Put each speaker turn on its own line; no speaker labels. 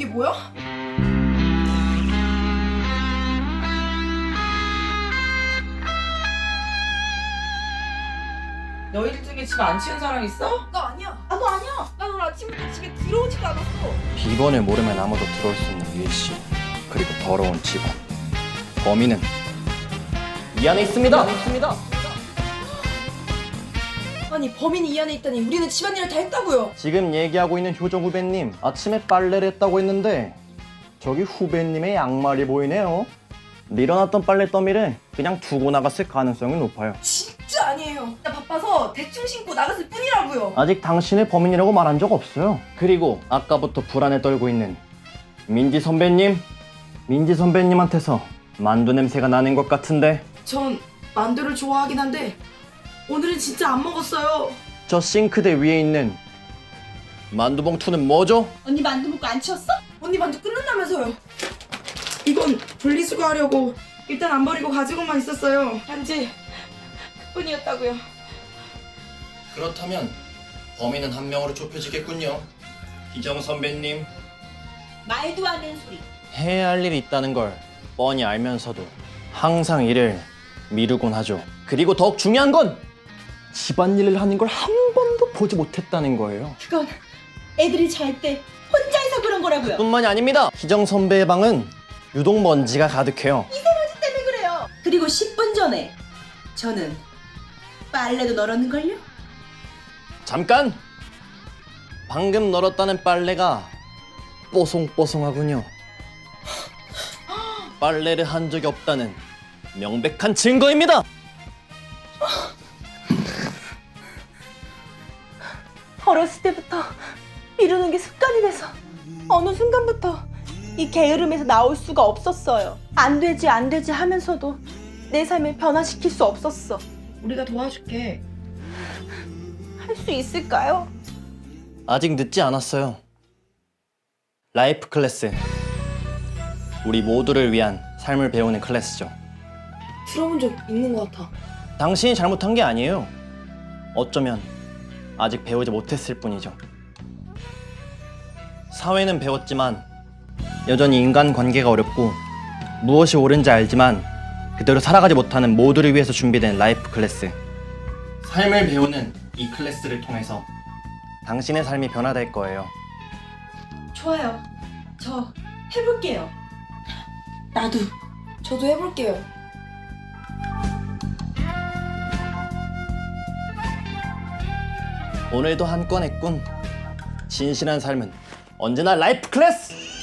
이게 뭐야?
너희들 중에 집 안 치운 사람 있어?
나 아니야.
나도 아니야.
난 오늘 아침부터 집에 들어오지도 않았어.
비번을 모르면 아무도 들어올 수 없는 유해씨, 그리고 더러운 집안. 범인은 이 안에 있습니다.
아니 범인이 이 안에 있다니 우리는 집안일을 다 했다고요.
지금 얘기하고 있는 효정 후배님, 아침에 빨래를 했다고 했는데 저기 후배님의 양말이 보이네요. 밀어놨던 빨래 더미를 그냥 두고 나갔을 가능성이 높아요.
진짜 아니에요. 나 바빠서 대충 신고 나갔을 뿐이라고요.
아직 당신을 범인이라고 말한 적 없어요. 그리고 아까부터 불안에 떨고 있는 민지 선배님한테서 만두 냄새가 나는 것 같은데.
전 만두를 좋아하긴 한데 오늘은 진짜 안 먹었어요.
저 싱크대 위에 있는 만두 봉투는 뭐죠?
언니 만두 먹고 안 치웠어?
언니 만두 끝난다면서요. 이건 분리수거하려고 일단 안 버리고 가지고만 있었어요. 단지 그뿐이었다고요.
그렇다면 범인은 한 명으로 좁혀지겠군요. 희정 선배님,
말도 안 되는 소리.
해야 할 일이 있다는 걸 뻔히 알면서도 항상 일을 미루곤 하죠. 그리고 더욱 중요한 건 집안일을 하는 걸 한 번도 보지 못했다는 거예요.
그건 애들이 잘 때 혼자서 그런 거라고요.
뿐만이 아닙니다. 희정 선배의 방은 유독 먼지가 가득해요.
때문에 그래요. 그리고 10분 전에 저는 빨래도 널었는걸요?
잠깐! 방금 널었다는 빨래가 뽀송뽀송하군요. 빨래를 한 적이 없다는 명백한 증거입니다.
어렸을 때부터 미루는 게 습관이 돼서 어느 순간부터 이 게으름에서 나올 수가 없었어요. 안 되지 하면서도 내 삶을 변화시킬 수 없었어.
우리가 도와줄게.
할 수 있을까요?
아직 늦지 않았어요. 라이프 클래스. 우리 모두를 위한 삶을 배우는 클래스죠.
들어본 적 있는 것 같아.
당신이 잘못한 게 아니에요. 어쩌면 아직 배우지 못했을 뿐이죠. 사회는 배웠지만 여전히 인간관계가 어렵고 무엇이 옳은지 알지만 그대로 살아가지 못하는 모두를 위해서 준비된 라이프 클래스. 삶을 배우는 이 클래스를 통해서 당신의 삶이 변화될 거예요.
좋아요. 저 해볼게요.
나도. 저도 해볼게요.
오늘도 한 건 했군. 진실한 삶은 언제나 라이프 클래스!